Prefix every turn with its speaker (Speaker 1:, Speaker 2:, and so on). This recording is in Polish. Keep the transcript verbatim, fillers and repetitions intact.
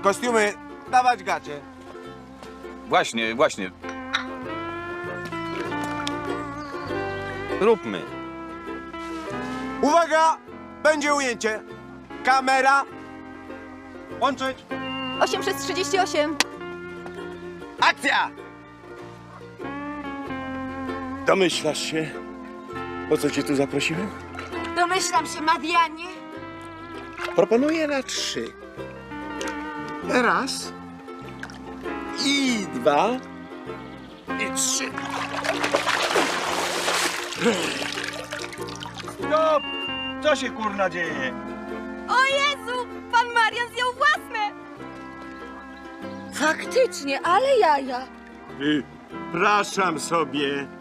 Speaker 1: Kostiumy, dawać gacie.
Speaker 2: Właśnie, właśnie.
Speaker 3: Róbmy.
Speaker 1: Uwaga! Będzie ujęcie. Kamera. Łączyć.
Speaker 4: osiem przez trzydzieści osiem.
Speaker 1: Akcja!
Speaker 5: Domyślasz się, po co cię tu zaprosiłem?
Speaker 6: Domyślam się, Madianie.
Speaker 5: Proponuję na trzy. Raz. I dwa. I trzy.
Speaker 7: Stop! Co się kurna dzieje?
Speaker 4: O Jezu! Pan Marian zjął własne!
Speaker 6: Faktycznie, ale jaja.
Speaker 5: Przepraszam sobie.